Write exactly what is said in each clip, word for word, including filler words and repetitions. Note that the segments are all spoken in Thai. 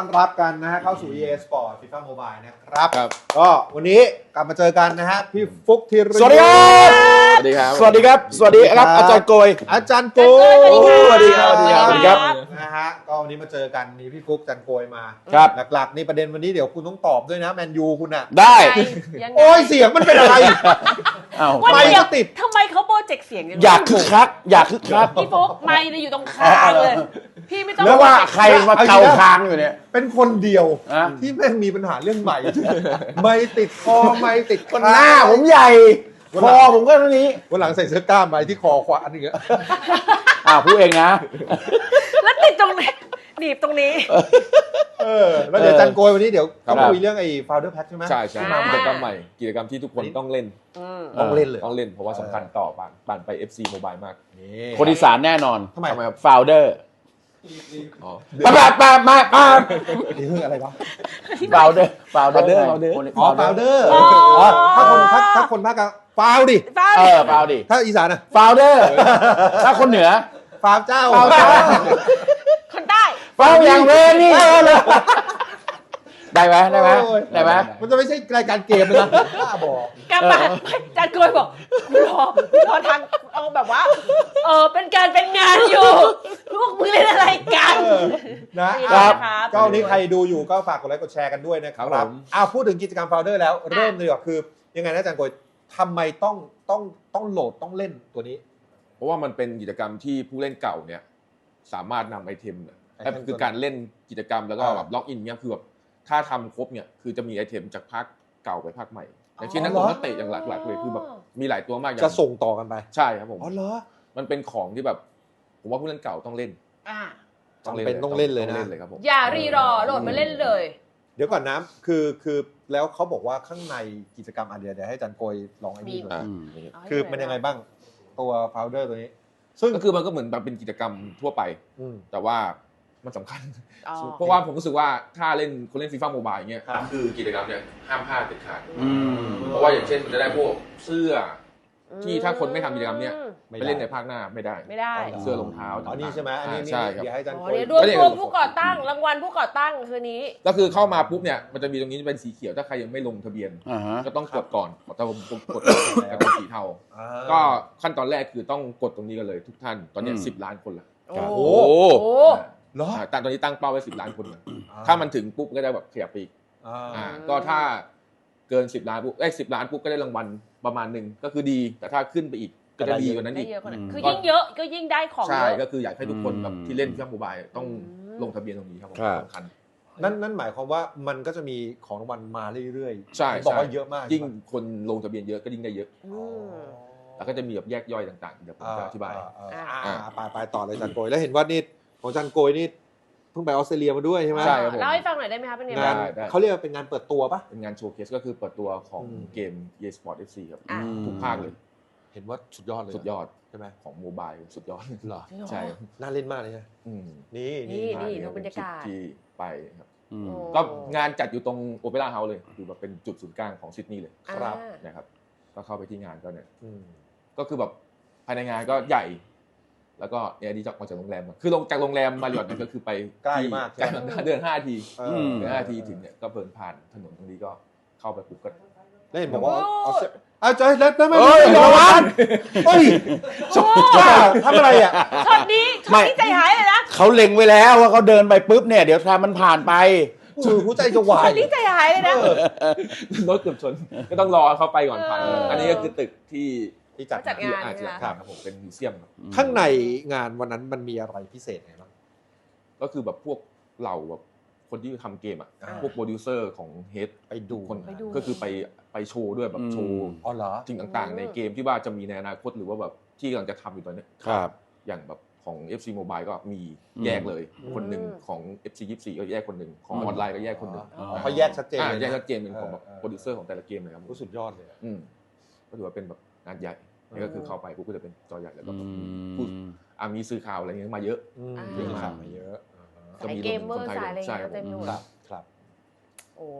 รับกันนะฮะเข้าสู่ อี เอ Sport FIFA Mobile นะครับครับก็วันนี้กลับมาเจอกันนะฮะพี่ฟุกธีรสวัสดีครับสวัสดีครับสวัสดีครับสวัสดีครับอาจารย์โกยอาจารย์โกยสวัสดีครับสวัสดีครับสวัสดีครับนะฮะก็วันนี้มาเจอกันมีพี่ฟุกอาจารย์โกยมาครับหลักๆนี่ประเด็นวันนี้เดี๋ยวคุณต้องตอบด้วยนะแมนยูคุณอ่ะได้ยังไงโอ้ยเสียงมันเป็นอะไรอ้าววันไม่เดียวติดทำไมเขาโปรเจกต์เสียงอย่างนี้อยากคึกคักอยากคึกคักพี่โฟกไมค์เนี่ยอยู่ตรงคางเลย พี่ไม่ต้องแล้วว่าใครมาเกาคางอยู่เนี่ยเป็นคนเดียวอะที่แม่งมีปัญหาเรื่องใหม่ ไม่ติดคอไม่ติดคนหน้าผมใหญ่คอผมก็เท่านี้วันหลังใส่เสื้อกล้ามไปที่คอขวาอันนี้อ้าวพูดเองนะแล้วติดตรงไหนหนีบตรงนี้เออแล้วเดี๋ยวอาจันโกยวันนี้เดี๋ยวครับต้องคุยเรื่องไอ้ Founder Pack ใช่ไหมใช่ใช่อ่ากิจกรรมใหม่กิจกรรมที่ทุกคนต้องเล่นอืมต้องเล่นเลยต้องเล่นเพราะว่าสำคัญต่อบ้านบ้านไป เอฟ ซี Mobile มากนี่คนอีสานแน่นอนทำไมทำไมครับโฟลเดอร์อ๋อมามามามามานี่เรื่องอะไรวะโฟลเดอร์โฟลเดอร์ Founder อ๋อ Founder อ๋ออ๋อถ้าคนถ้าถ้าคนภาคกลางฟาวดิฟ้าเออโฟลดิถ้าอีสานอ่ะโฟลเดอร์ถ้าคนเหนือฟาวเจ้าฟาวเจ้าคนใต้โฟลอย่างเวรนี่ได้ไหมได้ไหมโอ้ยได้ไหมมันจะไม่ใช่รายการเกมเลยนะบ้าบอกกลับมาจานกลวยบอกรอรอทางเอาแบบว่า เออเป็นการเป็นงานอยู่พวกมึงเล่นอะไรกันเออนะดีอ่ะนะครับก็วันนี้ใครดูอยู่ก็ฝากกดไลค์กดแชร์กันด้วยนะคครัรับบผมอ้าวพูดถึงกิจกรรม Founder แล้วเริ่มเลยดีกว่าคือ ยังไงนะอาจารย์โกยทำไมต้องต้องต้องโหลดต้องเล่นตัวนี้เพราะว่ามันเป็นกิจกรรมที่ผู้เล่นเก่าเนี่ยสามารถนำไอเทมเนี่ยไอเทมคือการเล่นกิจกรรมแล้วก็อ่าแบบล็อกอินเนี่ยคือแบบถ้าทำครบเนี่ยคือจะมีไอเทมจากภาคเก่าไปภาคใหม่อย่างเช่นนักอ๋อเหรอนักเตะอย่างหลักๆเลยคือแบบมีหลายตัวมากอย่าจะงส่งต่อกันไปใช่ครับผมอ๋อเหรอมันเป็นของที่แบบ ผมว่าผู้เล่นเก่าต้องเล่นอ่าจำเป็นต้องเล่นเลยนะต้องเล่นเลยครับผมอย่ารีรอโหลดมาเล่นเลยเดี๋ยวก่อนนะคือคือแล้วเขาบอกว่าข้างในกิจกรรมอันเดียวเดี๋ยวให้อาจารย์โกยลองไอ้นี่ดูอ่าอืมคือมันยังไงบ้างตัว Founder ตัวนี้ ซึ่งก็คือมันก็เหมือนแบบเป็นกิจกรรมทั่วไปอืมแต่ว่ามันสำคัญอ๋อเพราะว่าผมรู้สึกว่าถ้าเล่นคนเล่นฟีฟ่าโมบายเงี้ยครับคือกิจกรรมเนี่ยห้ามพลาดเด็ดขาดอืมเพราะว่าอย่างเช่นมันจะได้พวกเสื้อที่ถ้าคนไม่ทำกิจกรรมเนี้ยไม่ไปได้เล่นในภาคหน้าไม่ได้ไม่ได้เสื้อรองเท้าอ๋อนี่ใช่ไหมอันนี้านี่ใช่ครับเดี๋ยวให้อาจารย์อ๋โกอย เดี๋ยวรวมตัวผู้ก่อตั้งรางวัลผู้ก่อตั้งคืนนี้ก็คือเข้ามาปุ๊บเนี่ยมันจะมีตรงนี้เป็นสีเขียวถ้าใครยังไม่ลงทะเบียนอ่าฮะก็ต้องกดก่อนขอต้องกดก่อนแล้วเป็นสีเทาอ่าก็ขั้นตอนแรกคือต้องกดตรงนี้กันเลยทุกท่านตอนเนี้อืมสิบล้านคนละโอ้ครับโหโอ้โอ้เหรออ่าแต่ตอนนี้ตั้งเป้าไว้สิบล้านคนก่อนถ้ามันถึงปุ๊บก็ได้แบบขยับไปอีกอ่าอ่าก็ถ้าเกินสิบล้านปุ๊บเอ้ยสิบล้านปุ๊บก็ได้รางวัลประมาณหนึ่งก็คือดี แต่ถ้าขึ้นไปอีกก็จะดีกว่านั้นได้อีกเยอะกว่านั้นอืมคือยิ่งเยอะก็ยิ่งได้ของเยใช่อะก็คืออยากให้ทุกคนแบบอืมที่เล่นเครื่องโมบายต้องอืมลงทะเบียนตรงนี้ครับผมครับสำคัญนั่นนั่นหมายความว่ามันก็จะมีของรางวัลมาเรื่อยๆใช่บอกใช่ว่าเยอะมากยิ่งคนลงทะเบียนเยอะก็ยิ่งได้เยอะอืมแล้วก็จะมีแบบแยกย่อยต่างๆเดี๋ยวผมจะอธิบายอ่าอ่าอ่าอ่าไปไปต่อเลยอาจารย์โกยแล้วเห็นว่านี่ของอาจารย์โกยนี่เพิ่งไปออสเตรเลียมาด้วยใช่ไหมใช่ครับผมเล่าให้ฟังหน่อยได้ไหมคะเป็นไงงานบ้างได้ได้เขาเรียกว่าเป็นงานเปิดตัวปะเป็นงานโชว์เคสก็คือเปิดตัวของอืมเกม อี เอ Sport เอฟ ซี ครับอ่าทุกภาคเลยเห็นว่าสุดยอดเลยสุดยอดใช่ไหมของโมบายสุดยอดเหรอใช่น่าเล่นมากเลยนะอืมนี่นี่นี่ดูบรรยากาศที่ไปครับอืมโอ้ก็งานจัดอยู่ตรงโอเปร่าเฮาส์เลยคือแบบเป็นจุดศูนย์กลางของซิดนีย์เลยครับอ่านะครับก็เข้าไปที่งานก็เนี่ยอืมก็คือแบบภายในงานก็ใหญ่ แล้วก็เนี่ยดีจากออกจากโรงแรมก่อนคือลงจากโรงแรมมาริออทเนี่ยก็คือไปใกล้ที่มากใกล้ใช่ไหมเดินห้าทีเออือมเดินห้าทีถึงเนี่ยก็เดินผ่านถนนตรงนี้ก็เข้าไปปุ๊บก็แล้วเห็นบอกว่าโอ้ออสเตรเอาใจแล้วแล้วไม่เอ้ยไม่ระวังเฮ้ยบ้าทำอะไรอ่ะช็อตนี้ช็อตนี้ใจหายเลยนะเขาเล็งไว้แล้วว่าเขาเดินไปปุ๊บเนี่ยเดี๋ยวถ้ามันผ่านไปคือหัวใจจะวาช็อย ตนี้ใจหายเลยนะรถเกือบชนก็ต้องรอเขาไปก่อนผ่านเอออัอันนี้ก็คือตึกที่ที่จัดจัดงานงานอาจจะนะคะครับผมเป็นมิวเซียมครับข้างในงานวันนั้นมันมีอะไรพิเศษไงบ้างก็คือแบบพวกเหล่าแบบคนที่ทำเกมอ่ะอ่าพวกโปรดิวเซอร์ของเฮดไปดูคนไปดูก็คือไปไปโชว์ด้วยแบบโชว์อ๋อเหรอสิ่งต่างๆ ในเกมที่ว่าจะมีในอนาคตหรือว่าแบบที่กำลังจะทำอยู่ตอนเนี้ยครับอย่างแบบของ เอฟ ซี Mobile ก็มีอืมแยกเลยอืมคนหนึ่งของ เอฟ ซี ยี่สิบสี่ก็แยกคนหนึ่งของอืมออนไลน์ก็แยกคนหนึ่งอ๋อเขาแยกชัดเจนอ่าเลยนะแยกชัดเจนเป็นของแบบเออโปรดิวเซอร์ของแต่ละเกมเลยครับโอ้สุดยอดเลยอะอืมก็ถือว่าเป็นแบบงานใหญ่เออนี่ก็คือเข้าไปปุ๊บก็จะเป็นจอใหญ่แล้วก็อืแบบมีมผู้อ่ามีสื่อข่าวอะไรเงี้ยมาเยอะอืมอ่ามีข่าวมาเยอะอ่าฮะก็สายมีเกมเมอร์คนไทยสายอะไรใช่เงี้ยครับเต็มไปหมดครับครับโอ้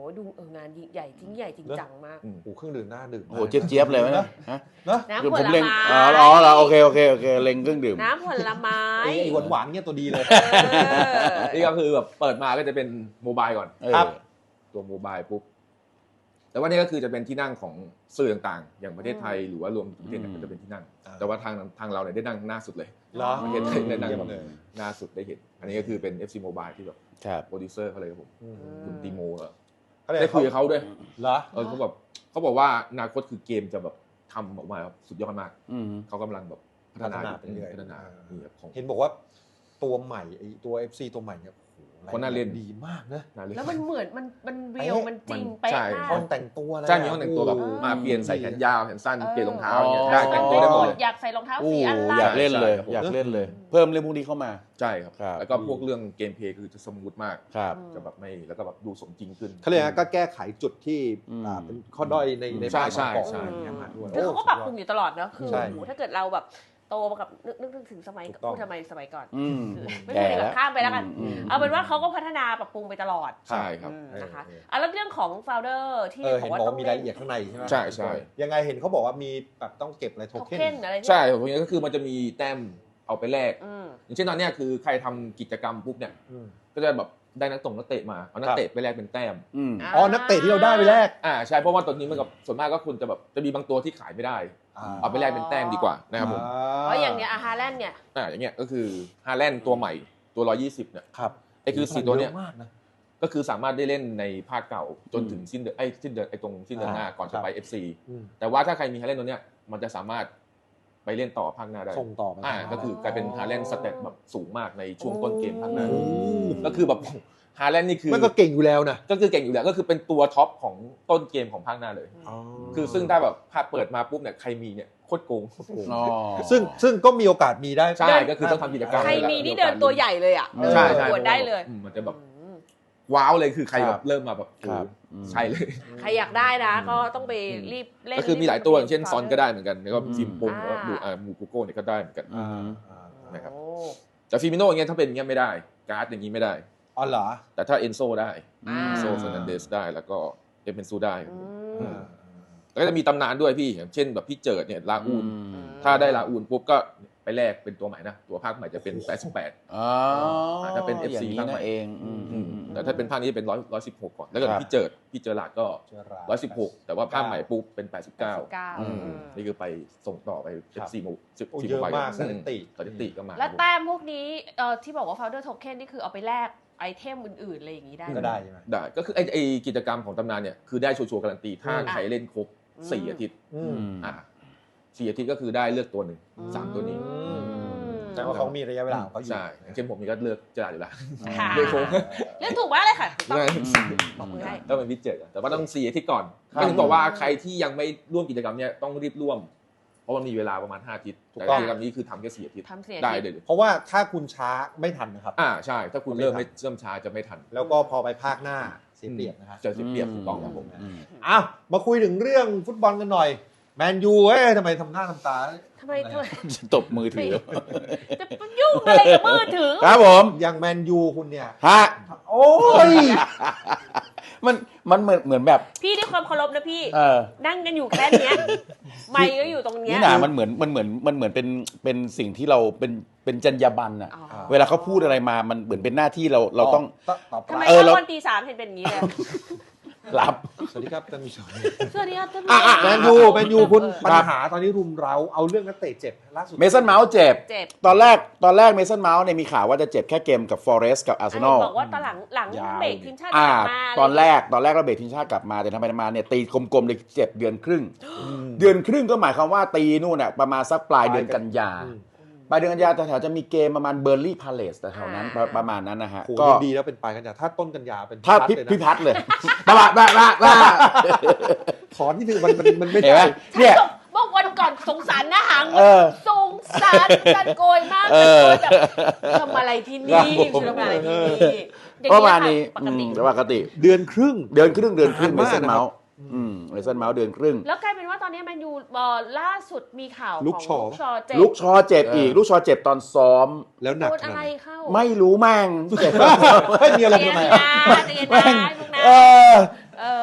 ว่าดูเอองานยิ่งใหญ่จริงใหญ่จริงจังมากโอ้โหเครื่องดื่มหน้าดื่มโอ้โหเจี๊ยบๆเลยไหมเนี่ยฮะเนอะน้ำเดี๋ยวผผมลเล็งไม้อ๋ออ๋อเหรอโอเคโอเคโอเคเล็งเครื่องดื่มน้ำผลไม้ไอ้ไอ้หวานๆเนี่ยตัวดีเลยเออนี่ก็คือแบบเปิดมาก็จะเป็นโมบายก่อนเออครับตัวโมบายปุ๊บแต่ว่านี่ก็คือจะเป็นที่นั่งของสื่อต่างๆ อย่างประเทศไทยหรือว่ารวมถึงประเทศเนี่ยก็จะเป็นที่นั่งอ่าแต่ว่าทางทางเราเนี่ยได้นั่งหน้าสุดเลยเหรอประเทศไทยได้นั่งเยี่ยมแบบเลยหน้าสุดได้เห็น อันนี้ก็คือเป็น เอฟ ซี Mobile ที่แบบครับโปรดิวเซอร์เขาเลยครับผมอืมคุณตีโมอะเขาเรียกได้คุยกับเขาด้วยเหรอเออเขาแบบเขาบอกว่าอนาคตคือเกมจะแบบทำออกมาแบบสุดยอดมากอืมเขากำลังแบบพัฒนาพัฒนาไปเรื่อยพัฒนานี่ครับของเห็นบอกว่าตัวใหม่ไอ้ตัว เอฟ ซี ตัวใหม่เนี่ยโอ้โหคนน่าเล่นดีมากนะน่าเล่นแล้วมันเหมือนมันมันเรียวเป๊ะมันจริงมันเป๊ะใช่มาห้อก งแต่งตัวอะไรใช่มีห้องแต่งตัวแบบเออมาเปลี่ยนใส่แขนยาวแขนสั้นเออเปลี่ยนรองเท้าอย่างเงี้ยอ๋อได้แต่งตัวได้หมดเลยอยากใส่รองเท้าโอ้สีอะไรอยากเล่นเลยใช่ครับอยากเล่นเลย เพิ่มเรื่องพวกนี้เข้ามาใช่ครับครับแล้วก็พวกเรื่องเกมเพลย์คือจะสมูทมากครับจะแบบไม่แล้วก็แบบดูสมจริงขึ้นเขาเรียกนะก็แก้ไขจุดที่อืมอ่าเป็นข้อด้อยในในใช่ภาคใช่ประกอบใช่อะไรอย่างเงี้ยมาด้วยคือเขาก็ปรับปรุงอยู่ตลอดเนอะคือใช่โอ้โหถ้าเกิดเราแบบโตมากับนึกนึกนึกถึงสมัยถูกต้องพูดทำไมสมัยก่อนอืมคือไม่แก่เป็นไรแล้วข้ามไปแล้วกันอืมเอาเป็นว่าเขาก็พัฒนาปรับปรุงไปตลอดใช่ครับอืมนะคะเอออ่ะแล้วเรื่องของโฟลเดอร์ที่เออบอเห็นกว่าบอกต้อว่าง มีเล่รายนละเอียดข้างในใช่ไหมใช่ใช่ยังไงเห็นเขาบอกว่ามีแบบต้องเก็บอะไรโทโทเค็เค็นนอะไรเนี่ยใช่ผมนี้ก็คือมันจะมีแต้มเอาไปแลกอืมอย่างเช่นตอนเนี้ยคือใครทำกิจกรรมปุ๊บเนี่ยอืมก็จะแบบได้นักตงนักเตะมาเอานักครับเตะไปแลกเป็นแต้มอืมอ๋อนักเตะที่เราได้ไปแรกอ่าใช่เพราะว่าตอนนี้มันกับส่วนมากก็คุณจะแบบจะมีบางตัวที่ขายไม่ได้ เอาไปแลกเป็นแต้มดีกว่านะครับผมเพราะอย่างเนี้ยอาฮาแลนด์เนี่ยอ่าอย่างเงี้ยก็คือฮาแลนด์ตัวใหม่ตัวหนึ่งร้อยยี่สิบเนี่ยครับไอ้คือสี่ตัวเนี้ยอะมากนะก็คือสามารถได้เล่นในภาคเก่าจนถึงสิ้นเดือนไอ้สิ้นเดือนไอ้ตรงสิ้นเดือนหน้าอ่าก่อนครัจะบไป เอฟ ซีอืมแต่ว่าถ้าใครมีฮาแลนด์ตัวเนี้ยมันจะสามารถไปเล่นต่อภาคหน้าได้ส่งต่อไปอ่าก็คือกลายเป็นฮาแลนด์สเตตแบบสูงมากในช่วงต้นเกมภาคหน้าโอ้ก็คือแบบฮาแลนด์นี่คือมันก็เก่งอยู่แล้วนะก็คือเก่งอยู่แล้วก็คือเป็นตัวท็อปของต้นเกมของภาคหน้าเลย คือซึ่งถ้าแบบภาคเปิดมาปุ๊บเนี่ยใครมีเนี่ยโคตรโกงอ๋อซึ่งซึ่งก็มีโอกาสมีได้ใช่ก็คือต้องทำกิจกรรมใครมีนี่เดินตัวใหญ่เลยอ่ะเออใช่เดินใช่ประกวดได้เลยอืมมันจะแบบอืมว้าวเลยคือใครคแบรับบเริ่มมาแบบครับโอ้อืมใช่เลยใครอยากได้นะก็ต้องไปรีบเล่นก็คือมีหลายตัวอย่างเช่นซอนก็ได้เหมือนกันแล้วก็อืมฟิล์มปุ่มอ่าแล้วก็มูอ่ามูกูโก้เนี่ยก็ได้เหมือนกันอืมนะครับโอ้แต่ฟิมิโน่อย่างเงี้ยถ้าเป็นอย่างเงี้ยไม่ได้การ์ดอย่างงี้ไม่ได้อ๋อเหรอแต่ถ้าเอนโซได้อ่าเอนโซเฟอร์นันเดสได้แล้วก็เอเปนซูได้อือืมมแล้วก็จะมีตำนานด้วยพี่อย่างเช่นแบบพี่เจิดเนี่ยลาอูนอืมถ้าได้ลาอูนปุ๊บก็ไปแลกเป็นตัวใหม่นะตัวภาคใหม่จะเป็นแปดสิบแปดอ๋ออาจจะเป็น เอฟ ซีย่างนี้ภาคใหม่นั่นเองอืมอือืมมแต่ถ้าเป็นภาคนี้เป็นร้อยร้อยสิบหกก่อนแล้วก็ครับพี่เจิดพี่เจอหลาดก็เจอราร้อยสิบหกแต่ว่าภาคใหม่ปุ๊บเป็นแปดสิบเก้าเก้าอืมนี่คือไปส่งต่อไปครัเอบ ฟ ซี โมสิบโอ้สี่เยอะโมบายมากสถิติสถิติก็มาแล้วแต้มพวกนี้เอ่อที่บอกว่า founder token นี่คือเอาไปแลกไอเทมอื่นๆอะไรอย่างนี้ได้ก็ได้ใช่ไหมได้ก็คือไอ้ไอ้กิจกรรมของตำนานเนี่ยคือได้ชัวร์ๆการันตีถ้าอืมใครเล่นครบอืมสี่อาทิตย์อือืมมอ่าสี่อาทิตย์ก็คือได้เลือกตัวหนึ่งสามตัวนี้อืมอืมแต่ว่าเขามีระยะเวลาของเขาอยู่ใช่อย่างเช่นผมนี่ก็เลือกเจอหลาดอยู่แล้วค่ะเลือกโค้งเรื่องถูกมากเลยค่ะต้องอืมบอกมือให้ต้องเป็นพิเจอร์แต่ว่าต้องสี่อาทิตย์ก่อนครับก็ถึงบอกว่าใครที่ยังไม่ร่วมกิจกรรมเนี่ยต้องรีบร่วม เพราะมันมีเวลาประมาณห้าอาทิตย์ถูกแต่ต้องกิจกรรมนี้คือทำแค่สี่อาทิตย์ทำเสียได้ทีเลยเพราะว่าถ้าคุณช้าไม่ทันนะครับอ่าใช่ ถ้าคุณเริ่มไม่เริ่มช้าจะไม่ทันแล้วก็พอไปภาคหน้าเสียเปรียบนะครับเจอเสียเปรียบถูกต้องครับผมอืมอ้าวมาคุยถึงเรื่องฟุตบอลกันหน่อย แมนยูเอ้ยทำไมทำหน้าทำตาทำไมทำไมตบมือถือจะไปยุ่งอะไรกับมือถือครับผมอย่างแมนยูคุณเนี่ยฮะโอ้ยมันมันเหมือนเหมือนแบบพี่ด้วยความเคารพนะพี่เออนั่งกันอยู่แค่เนี้ยไมค์ก็อยู่ตรงเนี้ยนี่หนามันเหมือนมันเหมือนมันเหมือนเป็นเป็นสิ่งที่เราเป็นเป็นจรรยาบรรณอะอ๋อเวลาเขาพูดอะไรมามันเหมือนเป็นหน้าที่เราเราต้องตอบตอบทำไมเออตเราอนตีสามเห็นเป็นอย่างนี้เลยรับสวัสดีครับท่านผู้ชมสวัสดีครับท่านผู้อ่ะชอ่ะมแมนยูแมนยูคุณเออปัญหาตอนนี้รุมเร้าเอาเรื่องนักเตะเจ็บล่าสุดเมสันเมาส์เจ็บเจ็บตอนแรกตอนแรกเมสันเมาส์เนี่ยมีข่าวว่าจะเจ็บแค่เกมกับฟอเรสต์กับอาร์เซนอลบอกว่าตอนหลังหลังยาวเบรกทีมชาติอ่ามาตอนแรกตอนแรกเราเบรกทีมชาติกลับมาแต่ทำไมมาเนี่ยตีกลมๆเลยเจ็บเดือนครึ่ง เดือนครึ่งก็หมายความว่าตีนู่นน่ะประมาณสักปลายเดือนกันยาอืมปลายเดือนกันยาแถวๆจะมีเกมประมาณเบอร์ลี่พาเลสแถวๆนั้นประประมาณนั้นนะฮะโหก็ยังดีแล้วเป็นปลายกันยาถ้าต้นกันยาเป็นถ้าพัดพิเลยนะพิพัฒน์เลยบ้าบ้าบ้าบ้าบ้าถอนที่ถือมันมันมันไม่เห็นไหมได้ฉันเนี่ยส่งเมื่อวันก่อนสงสารนะหางเออสงสารกันโกยมากเอกันอโกยแบบทำอะไรที่นี่ครับผมทำอะไรที่นี่อย่งประมาณนี้ปกติอืมปกติเดือนครึ่งเดือนครึ่งเดือนครึ่งนานเมมากสันนะครับเมาส์อืมเมสันเมาส์เดือนครึ่งแล้วกลายเป็นว่าตอนนี้แมนยูเอ่อล่าสุดมีข่าวลูขกองชอลูกชอเจ็บลูกชอเจ็บอีก ลูกชอเจ็บตอนซ้อมแล้วหนักโดนขนาอะดไรไหนเข้าไม่รู้แม่งเจ็บไม่มีอะไรเตียทำไมนอ่ะนะเตียนเอนะอเอ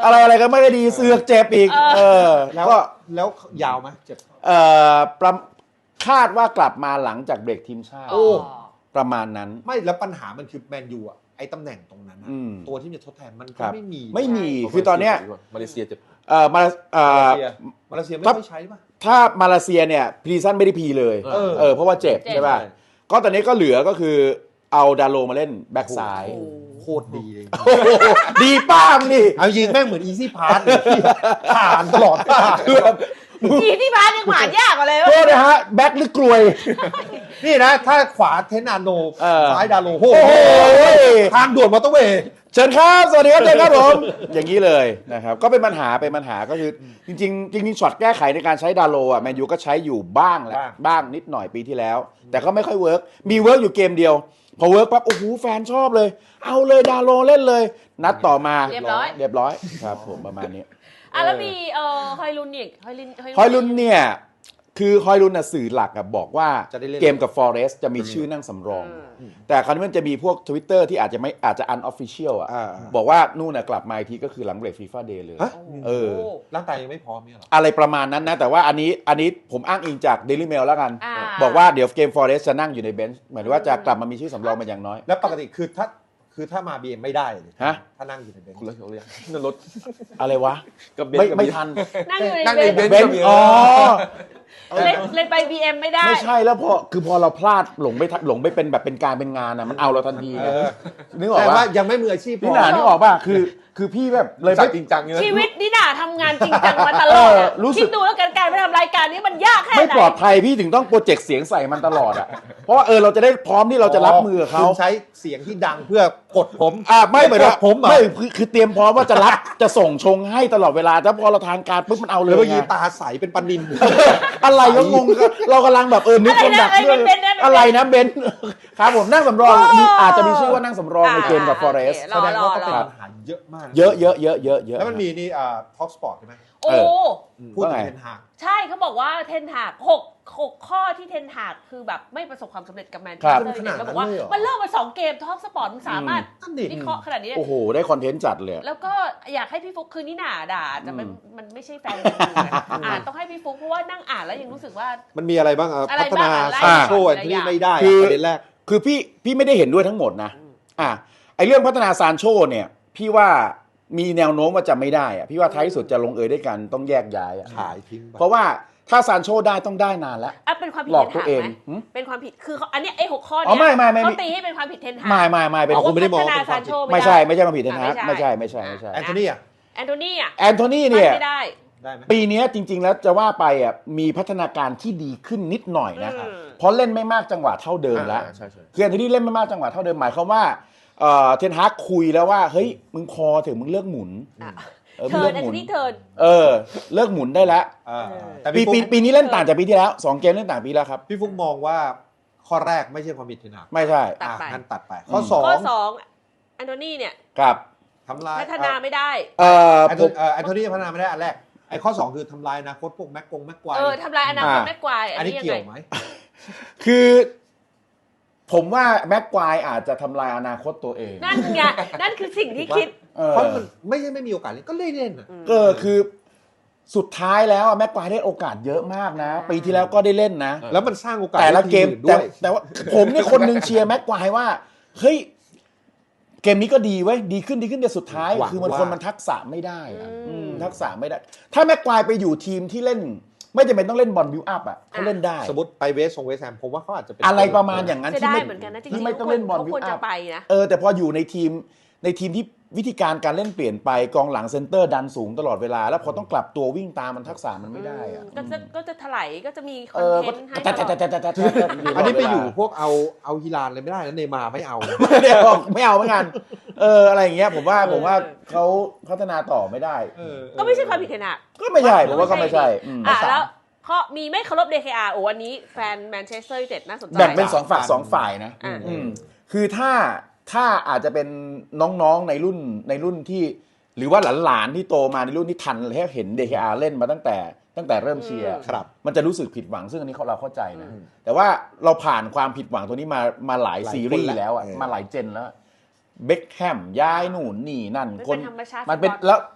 อะไรอะไรก็ไม่ได้ดีเสือกเจ็บอีก เออแล้วก็แล้วยาวไหมเจ็บเอ่อประคาดว่ากลับมาหลังจากเบรกทีมชาติโอ้ประมาณนั้นไม่แล้วปัญหามันคือแมนยูอ่ะไอ้ตำแหน่งตรงนั้นอะอืมตัวที่จะทดแทนมันคก็รับไม่มีไม่มีคือตอนเนี้ยมาเลเซียเจ็บเอ่อมาเอ่อมาเลเซียไม่ครับค่อยใช้ป่ะถ้ามาเลเซียเนี่ยพรีซันไม่ได้พีเลยเออเออเพราะว่าเจ็บเจ็บใช่ป่ะก็ตอนนี้ก็เหลือก็คือเอาดาโลมาเล่นแบ็กซ้ายโอ้โหโคตรดีเลยดีป้ามนี่เอายิงแม่งเหมือนอีซี่พาร์ทผ่านตลอดทางทีที่บ้านยังผ่านยากกว่าเลยโทษนะฮะแบ็กหรือกลวยนี่นะ ถ้าขวาเทนนาโนเออซ้ายดาโลโหโอ้โหทางด่วนมอเตอร์เวย์เชิญครับสวัสดีครับเชิญครับผมอย่างนี้เลยนะครับก็เป็นปัญหาเป็นปัญหาก็คือจริงๆจริงๆช็อตแก้ไขในการใช้ดาโลอ่ะแมนยูก็ใช้อยู่บ้างแหละบ้างนิดหน่อยปีที่แล้ว แต่ก็ไม่ค่อยเวิร์กมีเวิร์กอยู่เกมเดียวพอเวิร์กปั๊บโอ้โหแฟนชอบเลย เอาเลยดาโลเล่นเลย นัดต่อมาเรียบร้อยเรียบร้อยครับผมประมาณนี้อ่ะแล้วมีเอ่อฮอยลุนอีกฮอยลุนฮอยลุนเนี่ยคือฮอยลุนน่ะสื่อหลักอะบอกว่าจะได้เล่นเกมกับฟอเรสต์จะมีชื่อนั่งสำรอง แต่คราวนี้มันจะมีพวก Twitter ที่อาจจะไม่อาจจะ unofficial อ่ะอ่าบอกว่านู่นน่ะกลับมาอีกทีก็คือหลังเบรกฟีฟ่าเดย์เลยฮะเออร่างกายยังไม่พร้อมเนี่ยหรออะไรประมาณนั้นนะ แต่ว่าอันนี้อันนี้ผมอ้างอิงจาก Daily Mail แล้วกันอ่าบอกว่าเดี๋ยวเกมฟอเรสต์จะนั่งอยู่ในเบนช์หมายถึงว่าจะกลับมามีชื่อสำรองเป็นอย่างน้อยแล้วปกติคือถ้าคือถ้ามา บี เอ็ม ไม่ได้เลยฮะถ้านั่งอยู่ในเบนช์คนละคนเลยนั่นรถอะไรวะกับเบนไม่ซ์กับไม่บีทันนั่งอยู่ในนั่งเบในนเบนซ์เบนช์อ๋อเล่นเล่นไป บี เอ็ม ไม่ได้ไม่ใช่แล้วพอคือพอเราพลาดหลงไปหลงไปเป็นแบบเป็นการเป็นงานนะมันเอาเราทันทีเอไงอนึกออกแต่ปะว่ายังไม่มืออาชีพพพี่อหนานึกออกป่ะคือคือพี่แบบเลยจัไม่ดจริงจังเนี่ยชีวิตนี่น่าทำงานจริงจังมาตลอดอะเออรู้สึกคิดดูแล้วกันการไปทำรายการนี้มันยากแค่ไหนไม่ปลอดภัยพี่ถึงต้องโปรเจกต์เสียงใส่มันตลอดอ่ะ เพราะว่าเออเราจะได้พร้อมที่เราจะรับมือกับเขาคุณใช้เสียงที่ดังเพื่อกดผมอ่าไม่เหมือนว่าผมอ่ะไม่คือคือเตรียมพร้อมว่าจะรับ จะส่งชงให้ตลอดเวลาแต่พอเราทานการปุ๊บมันเอาเลแล้ยวเมื่อกี้ไงตาใสเป็นปลานินอะไรก็งงเรากำลังแบบเออนึกคนดักอะไรนะเรื่องเบนซ์นะอะไรนะเบนซ์ครับผมนั่งสำรองมีอาจจะมีชื่อว่านั่งสำรองในเกมกับฟอเรสโอเคแสดงว่าก็เป็นรอปัญหาเยอะมากนเยอะเยอะเยอะเยอะเยอะแล้วมันมีนี่อ่าท็อกสปอร์ตใช่ไหมโอ้เออพูดถึว่าไงงเทนฮากใช่เขาบอกว่าเทนหากหกหกข้อที่เทนหากคือแบบไม่ประสบความสำเร็จกับแมนเชสครับเตอร์ยูไนเต็ดแล้วบอกว่ามันเริ่มมาสองเกมท็อปสปอร์ตมันสามารถนั่นดิวิเคราะห์ขนาดนี้ได้โอ้โหได้คอนเทนต์จัดเลยแล้วก็อยากให้พี่ฟุกคือนี่หนาด่าแต่มันอืมมันไม่ใช่แฟนมันอ่านต้องให้พี่ฟุกเพราะว่านั่งอ่านแล้วยังรู้สึกว่ามันมีอะไรบ้างอ่ะอะไรพัฒนาบ้างอะไรซานโชบ้างอันที่ไม่ได้คืออ่ะประเด็นแรกคือพี่พี่ไม่ได้เห็นด้วยทั้งหมดนะ อ่ะไอเรื่องพัฒนาซานโชเนี่ย พี่ว่ามีแนวโน้มว่าจะไม่ได้อะพี่ว่าท้ายที่สุดจะลงเอยด้วยกันต้องแยกย้ายอะขายทิ้งไปเพราะว่าถ้าซานโชได้ต้องได้นานแล้วอ่ะเป็นความผิดหลอกเทนตัวหากเองไหมหืมเป็นความผิดคือเขาอันเนี้ยไอ้หกข้ออ๋อเนี้ยไม่ไม่ไม่เขาตีให้เป็นความผิดเทนหากไม่ไม่ไม่เป็นเอาคุณไม่ได้มองพัฒนาเป็นคามซาวโชผิดไม่ใช่ไม่ใช่มาผิดเทนฮากอ่ะไม่ใช่ไม่ใช่ไม่ใช่แอนโทนีอ่ะแอนโทนีอ่ะแอนโทนีเนี่ยไม่ได้ได้ไหมปีนี้จริง ๆ แล้วจะว่าไปอ่ะมีพัฒนาการที่ดีขึ้นนิดหน่อยนะอืมเพราะเล่นไม่มากจังหวะเท่าเดิมแล้วอ่าใช่ใช่คือแอนโทนีเล่นไม่มากจังหวะเท่าเดิมหมายความว่าเอ่อเทนฮากคุยแล้วว่าเฮ้ยมึงพอเถอะมึงเลิกหมุนอ่ะเออมึเทิงร์เลินกแอนหมุโทนนีเทิร์นเออเลิกหมุนได้แล้วอ่าแต่ปีพี่ปีฟุ๊กปีนี้เล่นต่างจากปีที่แล้วสองเกมเล่นต่างปีแล้วครับพี่ฟุ๊กมองว่าข้อแรกไม่ใช่ความผิดเทนฮากไม่ใช่ตัดอ่ะไปงั้นตัดไป ข้อสอข้อง สองแอนโทนีเนี่ยครับทำลายพัฒนาไม่ได้เอ่อแอนผโทมเอ่อแอนโทนีพัฒนาไม่ได้อันแรกไอ้ข้อสองคือทำลายอนาคตพวกแม็กกงแม็กควายเออทำลายอนาคตอ่าแม็กควายอัอันนนี้นี้ยังเกี่ยไงวไหมคือ ผมว่าแม็กควายอาจจะทำลายอนาคตตัวเองนั่นไงนั่นคือสิ่งที่คิดเออเพราะมันไม่ใช่ไม่มีโอกาสเล่นก็เล่นเล่นอ่ะเออคือสุดท้ายแล้วอะแม็กควายได้โอกาสเยอะมากนะ ปีที่แล้วก็ได้เล่นนะแล้วมันสร้างโอกาสแต่ละเกมให้ทีอื่นด้แต่วยแต่ว่าผมเนี่ยคนหนึงเชียร์แม็กควายว่าเฮ้ยเกมนี้ก็ดีเว้ยดีขึ้นดีขึ้นแต่สุดท้ายหวังคือมันว่าคนมันทักษะไม่ได้อะอืมอืมทักษะไม่ได้ ถ้าแม็กควายไปอยู่ทีมที่เล่น ไม่จำเป็นต้องเล่นบอลบิวอัพอ่ะเขาเล่นได้สมมติไปเวสทรงเวสแฮมผมว่าเขาอาจจะเป็นอะไรประมาณอย่างนั้นเสียที่ดายไม่เหมือนกันนะจริที่งๆไม่ต้องเล่นบอลเขาบิวควรอัจะพไปนะเออแต่พออยู่ในทีมในทีมที่วิธีการการเล่นเปลี่ยนไปกองหลังเซนเตอร์ดันสูงตลอดเวลา แล้วพอต้องกลับตัววิ่งตามมันทักษะมันไม่ได้อะก็จะก็จะถลายก็จะมีคอเอน อเทก็นต์ให้แต่ตแต่ลอดแต่แต่แต่แต่อันนี้ไปอยู่พวกเอาเอาฮิลานเลยไม่ได้นะเนย์มาร์ไม่เอาไม่ได้ออกไม่เอาเหมือนกันเอออะไรอย่างเงี้ยผมว่าผมว่าเขาพัฒนาต่อไม่ได้เออก็ไม่ใช่ความผิดเทนอะก็ไม่ใช่ผมว่าก็ไม่ใช่อืมอ่ะแล้วข้อมีไม่เคารพ ดี เค อาร์ โอ้วันนี้แฟนแมนเชสเตอร์ยูไนเต็ดน่าสนใจแบ่งเป็นสองฝั่งสองฝ่ายนะอ่าอืมคือถ้าถ้าอาจจะเป็นน้องๆในรุ่นในรุ่นที่ หรือว่าหลานๆที่โตมาในรุ่นที่ทันแล้วเห็น ดี เค อาร์ เล่นมาตั้งแต่ตั้งแต่เริ่มเชียร์ครับมันจะรู้สึกผิดหวังซึ่งอันนี้เราเข้าใจนะแต่ว่าเราผ่านความผิดหวังตัวนี้มามาหลายหลายซีรีคนส์แล้วแล้วอ่ะเออมาหลายเจนแล้วเบคแฮมย้ายหนู่นนี่นั่นมันคเป็น นธรรมชาติมันเป็นฟุตบอลแล้ว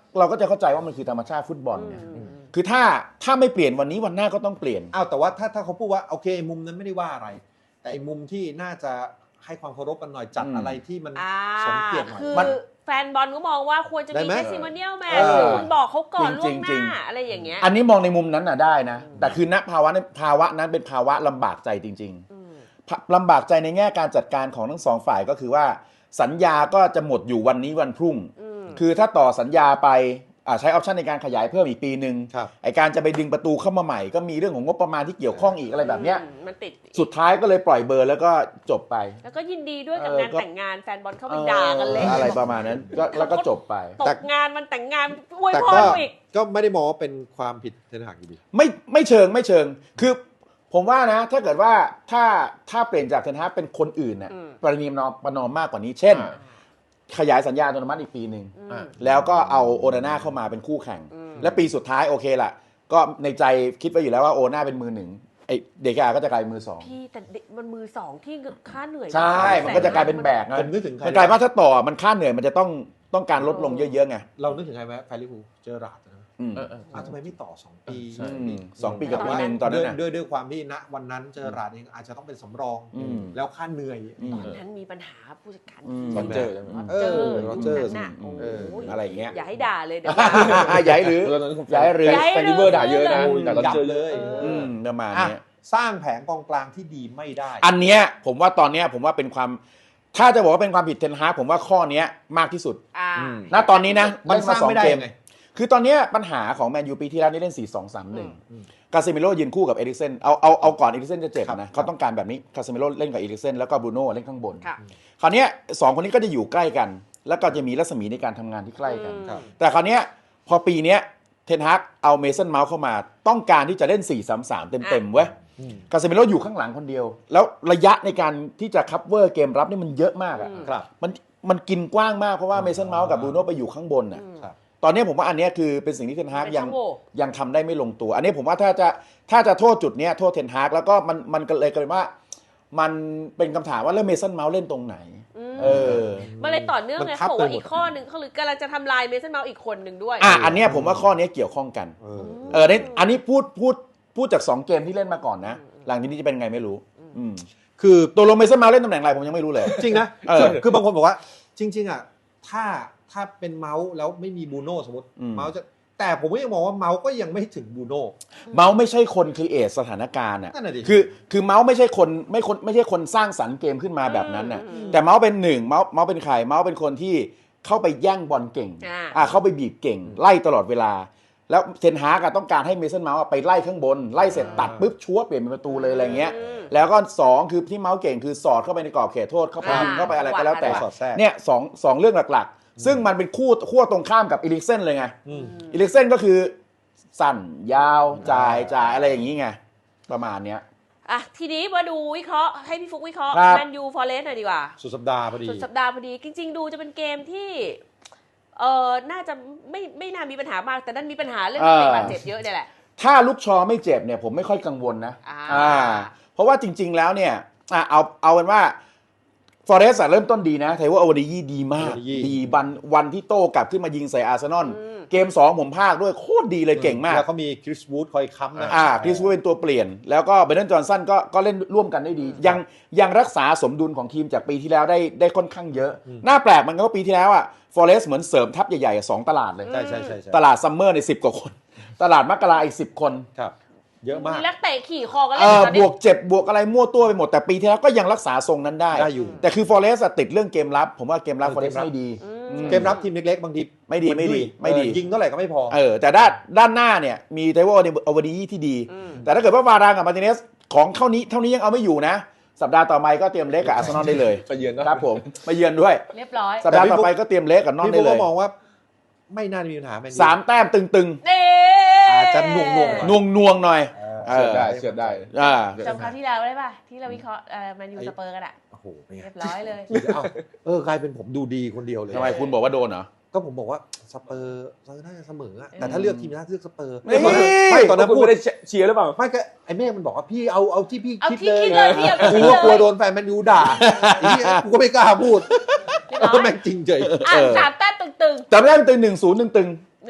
เราก็จะเข้าใจว่ามันคือธรรมชาติฟุตบอลไงอืมคือถ้าถ้าไม่เปลี่ยนวันนี้วันหน้าก็ต้องเปลี่ยนอ้าวแต่ว่าถ้าถ้าเขาพูดว่าโอเคมุมนั้นไม่ได้ว่าอะไร แต่ไอ้มุมที่น่าจะให้ความเคารพกันหน่อยจัดอืมอะไรที่มันอ่าสมเกียรติหน่อยคือมันแฟนบอลก็มองว่าควรจะได้มีไหมเทสซิมเนียลแมเอชอคุณบอกเขาก่อนจริล่วงงๆหจริน้าง อะไรอย่างเงี้ยอันนี้มองในมุมนั้นน่ะได้นะ แต่คือณภาวะนั้นภาวะนั้นเป็นภาวะลำบากใจจริงอืมๆลำบากใจในแง่การจัดการของทั้งสองฝ่ายก็คือว่าสัญญาก็จะหมดอยู่วันนี้วันพรุ่งอืมคือถ้าต่อสัญญาไปอ่าใช้ออปชันในการขยายเพิ่มอีกปีหนึ่งครับไอการจะไปดึงประตูเข้ามาใหม่ก็มีเรื่องของงบประมาณที่เกี่ยวข้องอีกอะไรแบบเนี้ยอืมมันติดสุดท้ายก็เลยปล่อยเบอร์แล้วก็จบไปแล้วก็ยินดีด้วยกับเอองานก็แต่งงานแฟนบอลเข้าไปด่ากันเละอออะไรประมาณนั้นก็แล้วก็จบไปตกงานมันแต่งงานอวยแต่พก็รกูอีกก็ไม่ได้มองว่าเป็นความผิดเทนหากอยู่ดีไม่ไม่เชิงไม่เชิง คือผมว่านะ ถ้าเกิดว่าถ้าถ้าเปลี่ยนจากเทนฮากเป็นคนอื่นน่ะอืมประนีประนอมประนอมมากกว่านี้ เช่นอ่าขยายสัญญาโทรนาเมนต์อีกปีหนึ่งอืมแล้วก็เอาโอนาน่าเข้ามาเป็นคู่แข่งอืมและปีสุดท้ายโอเคล่ะ ก็ในใจคิดไว้อยู่แล้วว่าโอนาน่าเป็นมือหนึ่งไอเดกาก็จะกลายเป็นมือสองพี่แต่เด็กมันมือสองที่ค่าเหนื่อยใช่ มันก็จะกลายเป็นแบกไงผมนึกถึงใครมันกลายว่าถ้าต่อมันค่าเหนื่อยมันจะต้องต้องการลดลงเยอะๆไงเรานึกถึงใครไหมแฟนลิเวอร์พูลเจอราร์ดนะอืมเออเอออ้าวทำไมไม่ต่อสองปีใช่อืมสองปีกับปีหนึ่งตอนนั้นน่ะด้วยด้วยด้วยความที่ณวันนั้นเจอราร์ดเองอาจจะต้องเป็นสำรองอืมแล้วค่าเหนื่อยอืมตอนนั้นมีปัญหาผู้จัดการอืมโรเจอร์ใช่ไหมเออโรเจอร์น่ะอืมโอ้ยอะไรอย่างเงี้ยอย่าให้ด่าเลยเดี๋ยวใหญ่หรือตอนนั้นผมย้ายเรือแฟนแฟนลิเวอร์ด่าเยอะนะย้ายเรือแต่ตอนยับเจอเลยอืมประมาณอ่ะเนี้ยสร้างแผงกองกลางที่ดีไม่ได้อันเนี้ยผมว่าตอนเนี้ยผมว่าเป็นความ ถ้าจะบอกว่าเป็นความผิดเทนฮากผมว่าข้อเนี้ยมากที่สุดอ่าอืมณตอนนี้นะมันสร้างเล่ไม่ได้เกยังไงคือตอนเนี้ยปัญหาของแมนยูปีที่แล้วนี่เล่น สี่ สอง สาม หนึ่งอืมคาซิเมโร่ยืนคู่กับเอริกเซนเอาเอาเอาก่อนเอริกเซนจะเจ็บครับนะเขาต้องการแบบนี้คาซิเมโร่เล่นกับเอริกเซนแล้วก็บรูโน่เล่นข้างบนค่ะคราวเนี้ยสองคนนี้ก็จะอยู่ใกล้กัน แล้วก็จะมีรัศมีในการทำงานที่ใกล้กันอืมครับแต่คราวเนี้ยพอปีเนี้ยเทนฮากเอาเมสันเมาส์เข้ามาต้องการที่จะเล่น สี่ สาม สาม เต็มๆเว้ยอืมคาซิเมโร่อยู่ข้างหลังคนเดียว แล้วระยะในการที่จะคัพเวอร์เกมรับนี่มันเยอะมากอะอืมครับมันมันกินกว้างมากเพราะว่าเมสันเมาส์กับบรูโน่ไปอยู่ข้างบนน่ะอืมครับตอนนี้ผมว่าอันเนี้ยคือเป็นสิ่งที่เทนฮากเป็นยังช่องโหว่ยังทำได้ไม่ลงตัว อันนี้ผมว่าถ้าจะถ้าจะโทษจุดเนี้ยโทษเทนฮากแล้วก็มันมันก็เลยกลายเป็นว่า มันเป็นคำถามว่าแล้วเมสันเมาส์เล่นตรงไหนอืมเออมันเลยต่อเนื่องมันเลยทับเขาบอกว่าไปหมดอีกข้อหนึ่งเขาหรือกำลังจะทำลายเมสันเมาส์อีกคนหนึ่งด้วยอ่ะอันเนี้ยผมว่าข้อเนี้ยเกี่ยวข้องกันเออเออเนี่ยอันนี้พูดพูดพูดจากสองเกมที่เล่นมาก่อนนะ หลังจากนี้จะเป็นไงไม่รู้ อืมคือตัวลงเมสันเมาส์เล่นตำแหน่งอะไรผมยังไม่รู้เลยจริงนะเออคือคือบางคนบอกว่า จริง ๆอ่ะถ้าถ้าเป็นเมาส์แล้วไม่มีบรูโน่สมมติอืมเมาส์จะแต่ผมก็ยังมองว่าเมาส์ก็ยังไม่ถึงบรูโน่เมาส์ไม่ใช่คนครีเอทสถานการณ์อ่ะนั่นน่ะดิคือคือเมาส์ไม่ใช่คนไม่คนไม่ใช่คนสร้างสรรค์เกมขึ้นมาแบบนั้นน่ะอืมแต่เมาส์เป็นหนึ่งเมาส์เมาส์เป็นใครเมาส์เป็นคนที่เข้าไปแย่งบอลเก่งอ่าอ่าเข้าไปบีบเก่ง ไล่ตลอดเวลา แล้วเทนฮากอะต้องการให้เมสันเมาส์อะไปไล่ข้างบน ไล่เสร็จตัดปุ๊บชัวเปลี่ยนเป็นประตูเลยอะไรเงี้ยอืมแล้วก็สองคือที่เมาส์เก่งคือสอดเข้าไปในกรอบเขตโทษเข้าไปอ่ายิงเข้าไปอะไรก็แล้วแต่สอดแทรกเนี่ยสองสองเรื่องหลักๆ ซึ่งมันเป็นคู่ขั้วตรงข้ามกับอีลิกเซนเลยไงอืมอีลิกเซนก็คือสั้นยาวจ่ายจ่ายอะไรอย่างนี้ไงประมาณเนี้ยอ่ะทีนี้มาดูวิเคราะห์ให้พี่ฟุกวิเคราะห์ครับแมนยูฟอเรสต์หน่อยดีกว่าสุดสัปดาห์พอดีสุดสัปดาห์พอดี จริง ๆ ดูจะเป็นเกมที่เออน่าจะไม่ไม่น่ามีปัญหามาก แต่ดันมีปัญหาเรื่องนักเตะบาดเจ็บเยอะเนี่ยแหละถ้าลูกชอไม่เจ็บเนี่ยผมไม่ค่อยกังวลนะอ่าเพราะว่าจริง ๆ แล้วเนี่ยอ่ะเอาเอาเป็นว่าฟอเรสต์เริ่มต้นดีนะไทว่าโอวาดียี่ดีมาก Owadeye ดีวันวันที่โต้กลับขึ้นมายิงใส่อาร์เซนอลอืมเกมสองผมพากด้วยโคตรดีเลยเก่งมากแล้วเขามีคริสวูดคอยค้ำนะอ่าคริสวูดเป็นตัวเปลี่ยน แล้วก็เบรนดอนจอห์นสันก็ก็เล่นร่วมกันได้ดี ยังยังรักษาสมดุลของทีมจากปีที่แล้วได้ได้ค่อนข้างเยอะอืมน่าแปลกมันก็ว่าปีที่แล้วอ่ะฟอเรสต์เหมือนเสริมทัพใหญ่ๆอ่ะสองตลาดเลยใช่ใช่ใช่ใช่ตลาดซัมเมอร์ในสิบกว่าคน ตลาดมกราอีกสิบคนครับ เยอะมากมีนักเตะขี่คอกันเอเล่นอตอนบนี้วกเจ็บบวกอะไรมั่วตัวไปหมดแต่ปีที่แล้วก็ยังรักษาทรงนั้นได้ได้อยู่แต่คือฟอเรสต์ติดเรื่องเกมรับ ผมว่าเกมรับเออฟอเรสต์เกมรับไม่ดีอืมอืมเกมรับทีมเล็กๆ บางทีไม่ดีไม่ดีไม่ดีเออยิงเท่าไหร่ก็ไม่พอเออแต่ด้านด้านหน้าเนี่ยมีไทโวโอวาดีที่ดีอืมแต่ถ้าเกิดว่าวารางกับมาร์ติเนสของเท่านี้เท่านี้ยังเอาไม่อยู่นะ สัปดาห์ต่อไปก็เตรียมเล็กกับอาร์เซนอลได้เลยไปเยือนเนอะครับผมมาเยือนด้วยเรียบร้อยสัปดาห์ต่อไปก็เตรียมเล็กกับนอนพี่ได้บุ๊กเลก็ยมองว่า ไม่น่ามีปัญหาแมนยูสามแต้มตึงเน่อาจจะหน่วงๆๆนวงนวงๆหน่อยเออเออเชื่อได้เชื่อได้อ่าจำคราวที่แล้วได้ป่ะ ที่เราวิเคราะห์แมนยูสเปอร์กันอะโอ้โหเป็นไงเรียบร้อยเลยเอ้าเออกลายเป็นผมดูดีคนเดียวเลยทำไมคุณบอกว่าโดนเหรอก็ผมบอกว่าสเปอร์น่าจะเสมออะแต่ถ้าเลือกทีมน่าจะเลือกสเปอร์นี่ไม่ตอนนั้นคุณพูดไม่ได้เชียร์หรือเปล่าไม่ก็ไอ้เมฆมันบอกว่าพี่เอาเอาที่พี่เอาคิดที่เลยคิดเลยพี่เอาที่กูคิดก็กลัวเลยโดนแฟนแมนยูด่าไอ้เหี้ยกูก็ไม่กล้าพูดเรียบร้ก็อยแม่งจริงเฉยอ่ะเออสามแต้มตึงจำได้มันตึงหนึ่งศูนย์ตึงตึงๆ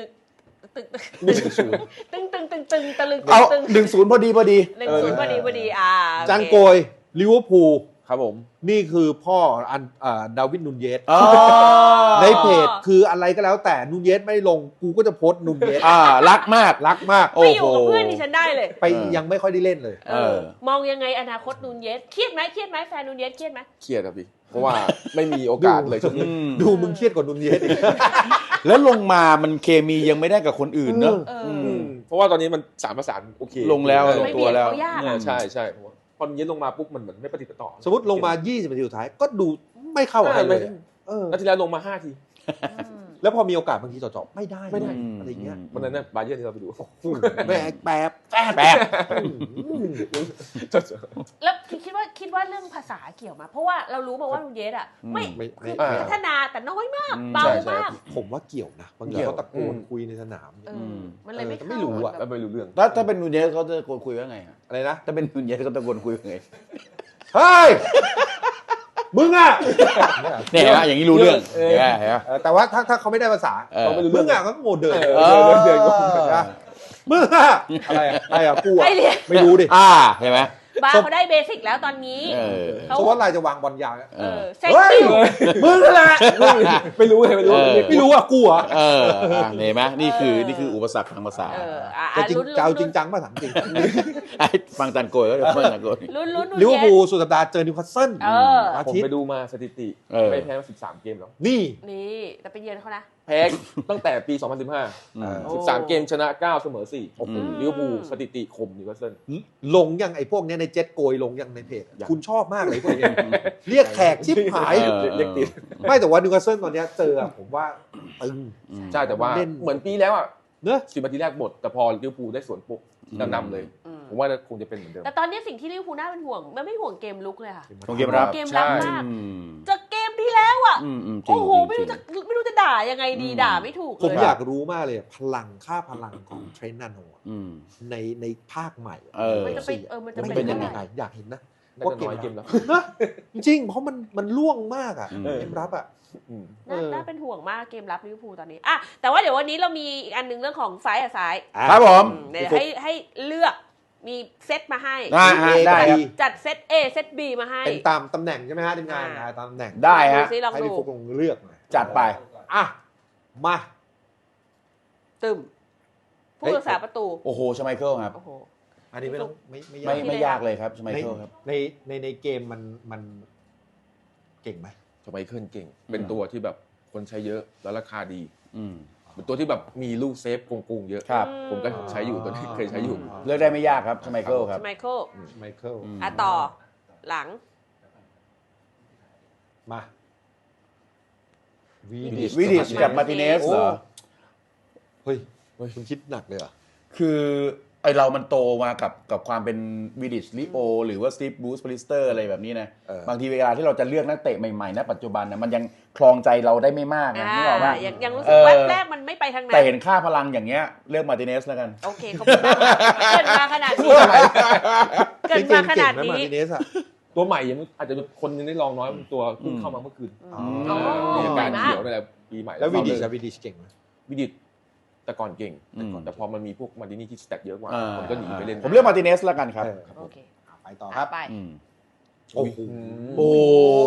ตึงตึงหนึ่งศูนย์ตึงตึงตึงตึงตะลึงเอาตึงหนึ่งศูนย์พอดีพอดีหนึ่งศูนย์พอดีพอดีอ่าจังโกยลิเวอร์พูลครับผมนี่คือพ่ออันอ่าดาวิดนูนเยสอ๋อในเพจคืออะไรก็แล้วแต่นูนเยสไม่ลงกูก็จะโพสต์นูนเยสอ่ารักมากรักมากโอ้ไม่อโหยู่กับเพื่อนดิฉันได้เลยไปยังไม่ค่อยได้เล่นเลยเออ มองยังไงอนาคตนูนเยสเครียดไหมเครียดไหมแฟนนูนเยสเครียดไหมเครียดครับพี่เพราะว่าไม่มีโอกาสเลยช่วงนี้อืมดูมึงเครียดกว่านูนเยสอีกแล้วลงมามันเคมียังไม่ได้กับคนอื่นเนอะเอออือืมมเพราะว่าตอนนี้มันสารประสานโอเคลงแล้วเออลงไม่ตัเบีวยดแล้วเขายากเอออะใช่ใช่เพราะว่าพอมันเย็นลงมาปุ๊บมันเหมือนไม่ปฏิปต่อสมมติลงมา ยี่สิบนาทีสุดท้ายก็ดูไม่เข้ากับใครเลยอะเออแล้วทีแล้วลงมาห้าทีอืมแล้วพอมีโอกาสบางทีจ่อๆไม่ได้ไม่ได้อะไรเงี้ยวันนั้นน่ะบาเยิร์นที่เราไปดูแบกแป๊บแป๊บแล้วคิดว่าคิดว่าเรื่องภาษาเกี่ยวมา เพราะว่าเรารู้มาว่านูนเยสอ่ะไม่ไม่คือไม่พัฒนาแต่น้อยมากอืมเบาใช่ใช่มากผมว่าเกี่ยวนะบางทีเกี่ยวเขาตะโกนอืมคุยในสนามเออมมันเลยไม่เออเข้าไม่รู้อะแล้วไม่รู้เรื่องถ้าถ้าเป็นนูนเยสเขาจะโกนคุยว่าไงอะอะไรนะถ้าเป็นนูนเยสเขาตะโกนคุยว่าไงเฮ้ยมึงอ่ะเนี่ยเห็นไหมอย่างนี้รู้เรื่องเออเห็นไหมเห็นไหมเออแต่ว่าถ้าถ้าเขาไม่ได้ภาษาเออเขาไม่รู้มึงอ่ะก็โมเดิร์นเออ เดินก็นะมึงอ่ะอะไรอะอะไรอ่ะกูอ่ะไอเรียนไม่รู้ดิอ่าเห็นไหมบาร์เขาได้เบสิกแล้วตอนนี้เออเขาสมมติว่าลายจะวางบอลยาวอะเออเซ็กเฮ้ยซิ่วมึงนั่นแหละไม่รู้เลยไม่รู้เออไม่รู้อ่ะกูอ่ะเอออ่ะเห็นไหมนี่คือนี่คืออุปสรรคทางภาษาเอออ่ะจะอ่ะจริงลุ้นจะเอาจลุ้รินงจังป่ะถามจริงไอ้ฟังจันโกยก็เดี๋ยวฟังจันโกยลุ้นลุ้นนูนลิเวอร์เยพูลสสุดสัปดาห์เจอนิวคาสเซิลเอออาผมทิตไปย์ดูมาสถิติเออไม่แพ้มาสิบสามเกมแล้วนี่นี่แต่ไปเยือนเขานะแพ้ตั้งแต่ปี สองพันสิบห้าอืมโอ้สิบสามเกมชนะเก้าเสมอสี่โอ้โหลิเวอร์พูลสถิติข่มนิวคาสเซิลลงยังไอ้พวกเนี้ยในเจ็ตโกยลงยังในเพจยังคุณชอบมากเลยพวกเนี้ยเรียกแขกชิบหายเออเรียกติดไม่แต่ว่านิวคาสเซิลตอนเนี้ยเจออะผมว่าตึงอืมใช่แต่ว่าเล่นเหมือนปีแล้วอ่ะเนอะสิบนาทีแรกหมดแต่พอลิเวอร์พูลได้สวนปุ๊บอืมนำเลยอืมผมว่าคงจะเป็นเหมือนเดิมแต่ตอนนี้สิ่งที่ลิเวอร์พูลน่าเป็นห่วงมันไม่ห่วงเกมลุกเลยค่ะของเกมรับเกมรับใช่มากอืมจากเกมที่แล้วอ่ะอืมอืมจริงโอ้โหจริงไม่รู้จะไม่รู้จะด่ายังไงดีอืมด่าไม่ถูกผมเลยอยากรู้มากเลยอะพลังค่าพลังของเทรนต์นาโนอะอืมในในภาคใหม่อะเออมันจะเป็นเออมันจะมันเป็เป็นนยังไงเท่าไหร่อยากเห็นนะน่าจะน้อยเกมแล้วนะจริงๆเพราะมันมันล่วงมากอ่ะอืมเกมรับอ่ะอืมน่าเออน่าเป็นห่วงมากเกมรับลิเวอร์พูลตอนนี้อ่ะแต่ว่าเดี๋ยววันนี้เรามีอีกอันหนึงเรื่องของซ้ายกับซ้ายครับผมอืมเดี๋ยวให้ให้เลือกมีเซตมาให้อ่าฮะได้ครับจัดเซต A เซต B มาให้เป็นตามตำแหน่งใช่ไหมฮะทีมงานอ่าอ่าตามตำแหน่งได้ฮะดูซิลองให้ดูพี่ฟุกลงเลือกหน่อยจัดไปอ่ะมาตึมผู้รักษาประตูโอ้โหชไมเคิลครับโอ้โหอันนี้ไม่ต้องไม่ไม่ไม่ยากไม่ยากเลยครับชไมในเคิลครับในในในเกมมันมันเก่งไหมทำไมเคลื่อนเก่ง เป็นตัวที่แบบคนใช้เยอะแล้วราคาดีอืมเป็นตัวที่แบบมีลูกเซฟโกงๆเยอะครับผมก็ใช้อยู่ตัวนี้เคยใช้อยู่เลือกได้ไม่ยากครับชไมเคิลครับไมเคิลไมเคิลอืมอ่ะต่อหลังมาวีวิดิชวิดิชกับมาร์ติเนสเหรอเฮ้ยคุณคิดหนักเลยเหรอคือไอเรามันโตมากับกับความเป็นวิดิชลิโอหรือว่าสตีฟบูสปริสเตอร์อะไรแบบนี้นะเออบางทีเวลาที่เราจะเลือกนักเตะใหม่ๆณปัจจุบันนะมันยังคลองใจเราได้ไม่มากนะอ่านึกออกป่ะยังยังรู้สึเอก อแวบแรกมันไม่ไปทางนั้แต่นเห็นค่าพลังอย่างเงี้ยเลือกมาร์ติเนสแล้วกันโอเคขอบคุณมากเกิดมาขนาดนี้เกิดมาขนาดเก่งไหมมานี้ร์ติเนสอะตัวใหม่ยังอาจจะคนยังได้ลองน้อยตัวเพิ่งเข้ามาเมื่อคืนอ๋อมีอาการสวยมากเขียวนั่นแหละปีใหม่แล้ววีดิชเราอะวีดิชเก่งไหมวิดิชแต่ก่อนเก่งอืมแต่พอมันมีพวกมาดินี่ที่สแต็กเยอะกว่าอ่าผมก็หนีไปเล่นผมเลือกมาร์ติเนสแล้วกันครับเออครับโอเคอ่ะไปต่อครับไปอืมโอ้โหโอ้โอ้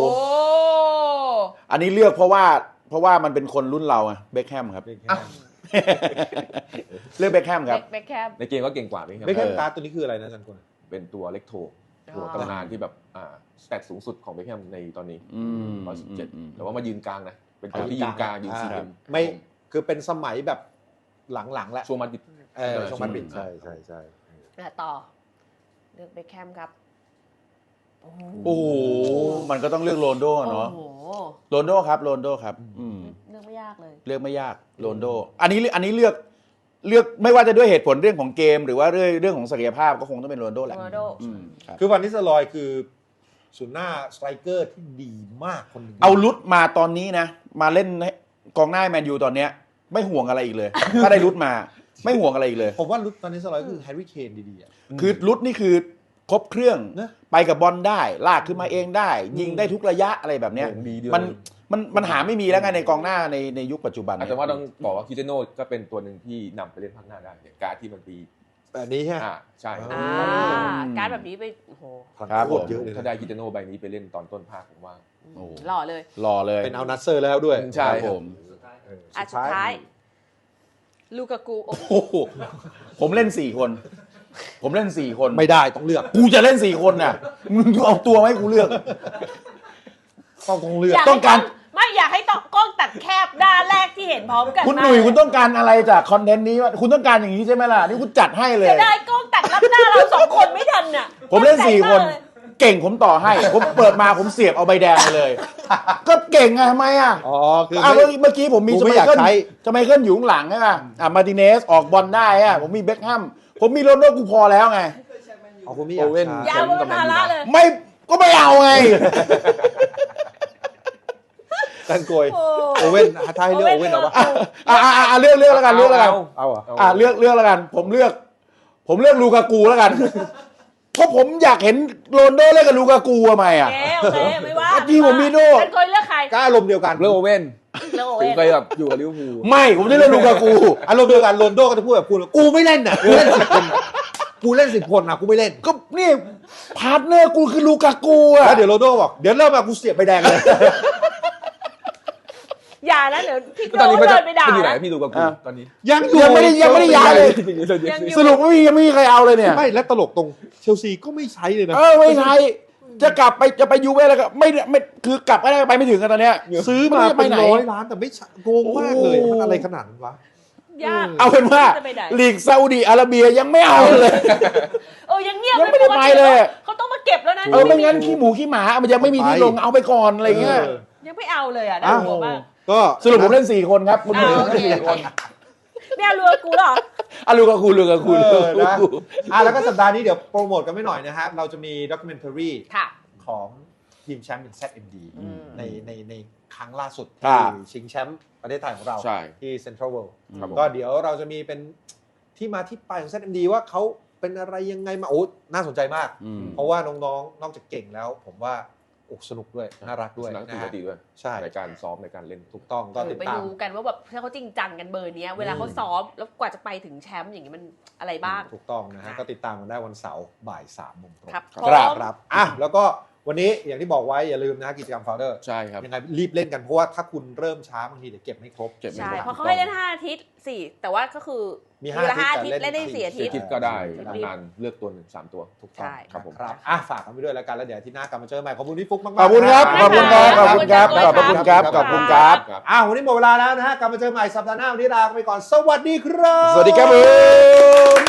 อันนี้เลือกเพราะว่าเพราะว่ามันเป็นคนรุ่นเราอะเบคแฮมครับเบคแฮอ้าวมเลือกเบคแฮมครับเบคแคมในเกมก็เก่งกว่าไหมครับเบคแฮมการ์ดตัวนี้คืออะไรนะอาจันกุลเป็นตัวเล็กโทตัวตำนานที่แบบอ่าสแต็กสูงสุดของเบคแฮมในตอนนี้อืมร้อยสิบเจ็ดอืมแต่ว่ามายืนกลางนะ เป็นตัวที่ยืนกลางยืนซีเกมไม่คือเป็นสมัยแบบหลังๆแล้วช่วงมาดิดเออเออช่วงมันบิดช่วงใช่ใช่ใช่อ่ะต่อ เลือกเบคแคมครับโอ้โหมันก็ต้องเลือกโรนลโดอะเนาะโอ้โหโรนลโดครับโรนลโดครับอืมเลือกไม่ยากเลยเลือกไม่ยากโรนลโด อันนี้อันนี้เลือกเลือกไม่ว่าจะด้วยเหตุผลเรื่องของเกม หรือว่าเรื่องเรื่องของศักยภาพก็คงต้องเป็นโรนลโดแหละโรนัลโดอืมครับคือวันนิสลอยคือศูนย์หน้าสไตรเกอร์ที่ดีมากคนหนึ่งเอาลุดมาตอนนี้นะ มาเล่นให้กองหน้าแมนยูตอนเนี้ย ไม่ห่วงอะไรอีกเลย ถ้าได้ลุดมาไม่ห่วงอะไรอีกเลยผมว่าลุดตอนนิสลอยคือแฮร์รี่เคนดีๆอะคือลุดนี่คือครบเครื่องนะไปกับบอลได้ ลากขึ้นมาเองได้ ยิงได้ทุกระยะอะไรแบบเนี้ยโด่งดีด้วยมันมันมันหาไม่มีแล้วไงในกองหน้าในในยุคปัจจุบันแต่ว่าต้องบอกว่าคิเตโน่ก็เป็นตัวหนึ่งที่นำไปเล่นภาคหน้าได้อย่างการ์ดที่มันปีแบบนี้ใช่ไหมอ่าใช่อ่าการดแบบนี้ไปโอ้โหครับโคผมตรเยอะเลยถ้าได้คิเตโน่ใบนี้ไปเล่นตอนต้นภาคผมว่าโอ้หล่อเลยรอเลยเป็นเอานัสเซอร์แล้วด้วยใช่ครับผมเอออ่ะสุดท้าย ลูกากูโอ้โหโอ้โหผมเล่นสี่คน ผมเล่นสี่คนไม่ได้ต้องเลือกกูจะเล่นสี่คนน่ะมึงเอาตัวไหมาให้กูเลือกต้องต้องเลือกอยากต้องการให้ไม่อยากให้ต้องกล้องตัดแคบด้านแรกที่เห็นพร้อมกันคุณหนุ่ยคุณต้องการอะไรจากคอนเทนต์นี้วะคุณต้องการอย่างนี้ใช่ไหมล่ะนี่คุณจัดให้เลยจะได้กล้องตัดรับหน้าเราสองคนไม่ทันน่ะผมเล่นสี่คนตั้งใจมากเลยเก่งผมต่อให้ ผมเปิดมาผมเสียบเอาใบแดงไปเลย ก็เก่งไงทำไมอ่ะอ๋อคืออ่ะไม่เมื่อเมื่อกี้ผมมีกูสไม่มัยอยากเคิลใช้สมัยเคิลอยู่ข้างหลังใช่ป่ะอ่ะมาร์ติเนสออกบอลได้อ่ะผมมีเบ็คแฮมผมมีโรนัลโดกูพอแล้วไงอ๋อคุณไม่อยากโอเว่นใช้อยาวเป็นภาระเลยไม่ก็ไม่เอาไงกันโกยโอ้โอเว่นถ้าให้เลือกโอเว่นเอาปะอ่ะอ่ะอ่ะอ่ะเลือกเลือกแล้วกันเลือกแล้วกันเอาเหรออ่ะเลือกเลือกแล้วกัน ผมเลือก ผมเลือกลูกากูแล้วกัน เพราะผมอยากเห็นโรนลโดเล่นกับลูกากูทำไมอ่ะโอเคโอเคไม่ว่าเมื่อกี้ผมมีโน่ฉันเคยเลือกใครก็อารมณ์เดียวกันเลือกโอเว่นเลือกโอถึเว่งนเคยแบบอยู่กับลิเวอร์พูลไม่ผมจะเลือกลูกากูอารมณ์เดียวกันโรนลโดก็จะพูดแบบกูกูไม่เล่นน่ะกูเล่นสิบคนน่ะกูเล่นสิบคนน่ะกูไม่เล่นก็นี่พาร์ทเนอร์กูคือลูกากูอ่ะแล้วเดี๋ยวโรนลโดบอกเดี๋ยวเริ่มมากูเสียบใบแดงเลยอย่านะเดี๋ยวพี่ตอนนี้โก้มันจะเดินไปด่ามันอยู่ไหนนะพี่ดูกับกูตอนนี้ยังอยู่ยังไม่ได้ยังไม่ได้ย้ายเลยยังอยู่สรุปไม่มียังไม่มีใครเอาเลยเนี่ยไม่และตลกตรงเชลซีก็ไม่ใช้เลยนะเออไม่ใช่จะกลับไปจะไปยูเว่แล้วก็ไม่ไม่คือกลับก็ได้ไปไม่ถึงกันตอนเนี้ยซื้อมาไม่ได้ไปเป็นไหนร้อยล้านแต่ไม่ใช้โกงมากเลยโอ้มันอะไรขนาดนั้นวะยากเอาเป็นว่าจะไปไหนลีกซาอุดิอาระเบียยังไม่เอาเลยเออยังเงียบยังไม่ได้ไปเลยเขาต้องมาเก็บแล้วนะเออไม่งั้นขี้หมูขี้หมามันยังไม่มีที่ลงเอาไปก่อนอะไรเงี้ยเออยังไม่เอาเลยอ่ะน่าอ้าวกลัวมากก็สรุปผมเล่นสี่คนครับคุณอ้าวโอเคสี่คนไม่เอาเรือกูเหรออ่ะลูกกับคุณลูกกับคุณเออนะอ่ะแล้วก็สัปดาห์นี้เดี๋ยวโปรโมทกันไม่หน่อยนะฮะเราจะมีด็อกิเมนทารีค่ะของทีมแชมป์เป็น แซด เอ็ม ดีอืมในในในครั้งล่าสุดครัที่บชิงแชมป์ประเทศไทยของเราใช่ที่เซ็นทรัลเวิลด์ครับผมก็เดี๋ยวเราจะมีเป็นที่มาที่ไปของ แซด เอ็ม ดี ว่าเขาเป็นอะไรยังไงมาโอ้น่าสนใจมากอืมเพราะว่าน้องๆ นอกจากเก่งแล้ว ผมว่าอกสนุกด้วย น่ารักด้วยนักนะปกฮะติด้วยใช่ในการซ้อมในการเล่นถูกต้องก็ติดไปตามดูกันว่าแบบถ้าเขาจริงจังกันเบอร์เนี้ยเวลาเขาซ้อมแล้วกว่าจะไปถึงแชมป์อย่างนี้มันอะไรบ้างถูกต้องนะฮะก็ติดตามกันได้วันเสาร์บ่ายสามโมงตรงครับครับพร้อมครับอ่ะแล้วก็วันนี้อย่างที่บอกไว้อย่าลืมนะกิจกรรม Founder ใช่ครับยังไงรีบเล่นกันเพราะว่าถ้าคุณเริ่มช้าบางทีเดี๋ยวเก็บไม่ครบเก็บไม่ใช่ครบเพราะเขาให้เล่นห้าอาทิตย์สี่แต่ว่าก็คือมีเวลาห้าห้าอาอาทิทิตตย์ย์เล่นได้สี่อาทิตย์คิดก็ได้ใช่ทำงานเลือกตัวหนึ่งสามตัวถูกต้องใช่ครับผมครับอ่ะฝากกันไปด้วยแล้วกันแล้วเดี๋ยวอาที่หน้ากลับมาเจอใหม่ขอบคุณพี่ฟุกมากๆขอบคุณครับนะขอบคุณครับขอบคุณครับขอบคุณครับขอบคุณครับครับอ่ะวันนี้หมดเวลาแล้วนะฮะกลับมาเจอใหม่สัปดาห์หน้าวันนี้ลาไปก่อนสวัสดีครับสวัสดีครับผม